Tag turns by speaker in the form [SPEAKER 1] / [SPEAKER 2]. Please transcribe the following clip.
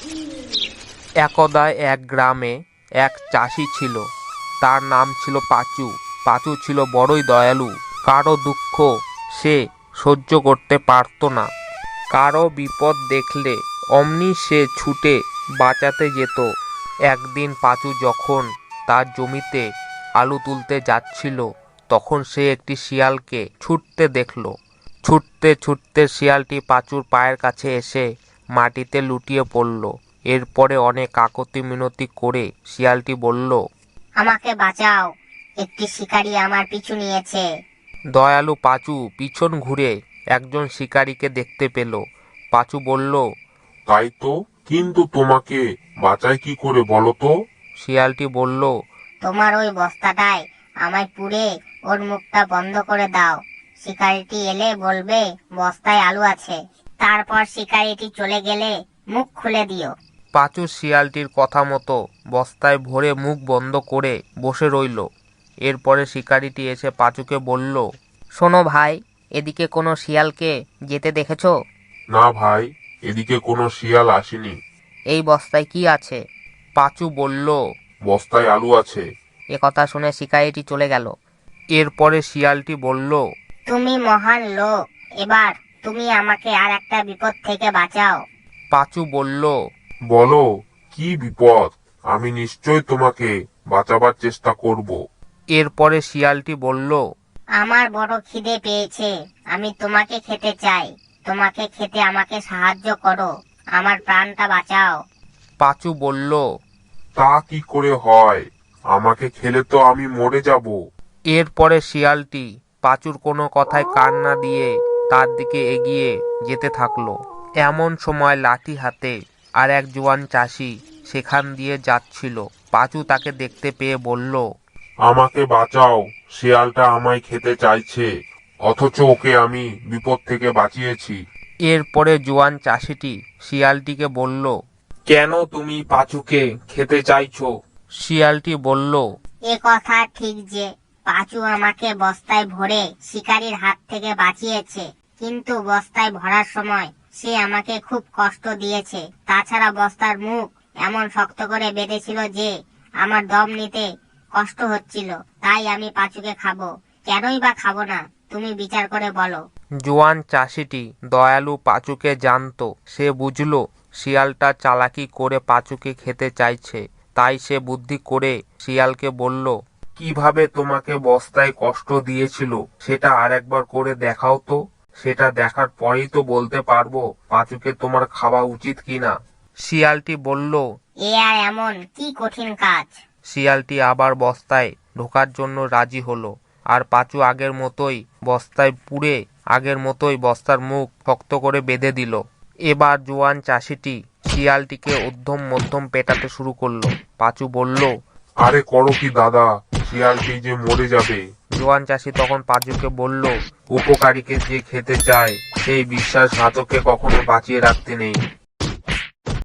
[SPEAKER 1] একদা এক গ্রামে এক চাষি ছিল। তার নাম ছিল পাঁচু। পাঁচু ছিল বড়ই দয়ালু। কারো দুঃখ সে সহ্য করতে পারত না। কারো বিপদ দেখলে অমনি সে ছুটে বাঁচাতে যেত। একদিন পাঁচু যখন তার জমিতে আলু তুলতে যাচ্ছিল, তখন সে একটি শিয়ালকে ছুটতে দেখল। ছুটতে ছুটতে শিয়ালটি পাঁচুর পায়ের কাছে এসে মাটিতে লুটিয়ে পড়ল। এরপরে অনেক কাকতি মিনতি করে শিয়ালটি বলল,
[SPEAKER 2] আমাকে বাঁচাও, একটি শিকারী আমার পিছু নিয়েছে।
[SPEAKER 1] দয়ালু পাঁচু পিছন ঘুরে একজন শিকারীকে দেখতে পেল। পাঁচু বলল,
[SPEAKER 3] তাই তো, কিন্তু তোমাকে বাঁচাই কি করে বলো তো?
[SPEAKER 1] শিয়ালটি বলল,
[SPEAKER 2] তোমার ওই বস্তাটায় আমায় পুড়ে ওর মুখটা বন্ধ করে দাও। শিকারীটি এলে বলবে বস্তায় আলু আছে, তারপর শিকারীটি চলে গেলে মুখ খুলে দিও।
[SPEAKER 1] পাঁচু শিয়ালটির কথা মতো বস্তায় ভরে মুখ বন্ধ করে বসে রইল। এরপরে শিকারীটি এসে পাঁচুকে বলল,
[SPEAKER 4] শোনো ভাই, এদিকে কোনো শিয়ালকে যেতে দেখেছো?
[SPEAKER 3] না ভাই, এদিকে কোনো শিয়াল আসেনি।
[SPEAKER 4] এই বস্তায় কি আছে?
[SPEAKER 1] পাঁচু বলল,
[SPEAKER 3] বস্তায় আলু আছে।
[SPEAKER 4] এ কথা শুনে শিকারীটি চলে গেল।
[SPEAKER 1] এরপরে শিয়ালটি বলল,
[SPEAKER 2] তুমি মহান লোক, এবার তুমি আমাকে আর একটা বিপদ থেকে বাঁচাও।
[SPEAKER 1] পাঁচু বলল,
[SPEAKER 3] বলো, কি বিপদ? আমি নিশ্চয় তোমাকে বাঁচাবার চেষ্টা করব।
[SPEAKER 1] এরপরে শিয়ালটি বলল,
[SPEAKER 2] আমার বড় খিদে পেয়েছে, আমি তোমাকে খেতে চাই। তোমাকে খেতে আমাকে সাহায্য করো, আমার প্রাণটা বাঁচাও।
[SPEAKER 1] পাঁচু বলল,
[SPEAKER 3] তা কি করে হয়? আমাকে খেলে তো আমি মরে যাব।
[SPEAKER 1] এরপরে শিয়ালটি পাঁচুর কোনো কথায় কান না দিয়ে তার দিকে এগিয়ে যেতে থাকলো। এমন সময় লাঠি হাতে আর এক জোয়ান চাষি সেখান দিয়ে যাচ্ছিল। পাঁচু তাকে দেখতে পেয়ে বলল,
[SPEAKER 3] আমাকে বাঁচাও, শিয়ালটা আমায় খেতে চাইছে, অথচ ওকে আমি বিপদ থেকে বাঁচিয়েছি।
[SPEAKER 1] এরপরে জোয়ান চাষিটি শিয়ালটিকে বলল, কেন তুমি পাঁচুকে খেতে চাইছো? শিয়ালটি বলল,
[SPEAKER 2] এ কথা ঠিক যে পাঁচু আমাকে বস্তায় ভরে শিকারীর হাত থেকে বাঁচিয়েছে, কিন্তু বস্তায় ভরার সময় সে আমাকে খুব কষ্ট দিয়েছে। তাছাড়া বস্তার মুখ এমন শক্ত করে বেঁধেছিল যে আমার দম নিতে কষ্ট হচ্ছিল। তাই আমি পাঁচুকে খাবো। কেনই বা খাবো না, তুমি বিচার করে বলো।
[SPEAKER 1] জোয়ান চাষিটি দয়ালু পাঁচুকে জানতো। সে বুঝল শিয়ালটা চালাকি করে পাঁচুকে খেতে চাইছে। তাই সে বুদ্ধি করে শিয়ালকে বলল, কিভাবে তোমাকে বস্তায় কষ্ট দিয়েছিল সেটা আরেকবার করে দেখাও তো। সেটা দেখার পরেই তো বলতে পারবো পাঁচুকে তোমার খাওয়া উচিত কিনা। শিয়ালটি বলল,
[SPEAKER 2] এ আর এমন কি কঠিন কাজ।
[SPEAKER 1] শিয়ালটি আবার বস্তায় ঢোকার জন্য রাজি হলো। আর পাঁচু আগের মতোই বস্তায় পুরে আগের মতোই বস্তার মুখ শক্ত করে বেঁধে দিল। এবার জোয়ান চাষিটি শিয়ালটিকে উদ্ধম মধ্যম পেটাতে শুরু করলো। পাঁচু বলল,
[SPEAKER 3] আরে করো কি দাদা, শিয়ালটি যে মরে যাবে।
[SPEAKER 1] জোয়ান চাষি তখন পাঁচুকে বলল, উপকারীকে যে খেতে চায় সেই বিশ্বাসঘাতককে কখনো বাঁচিয়ে রাখতে নেই।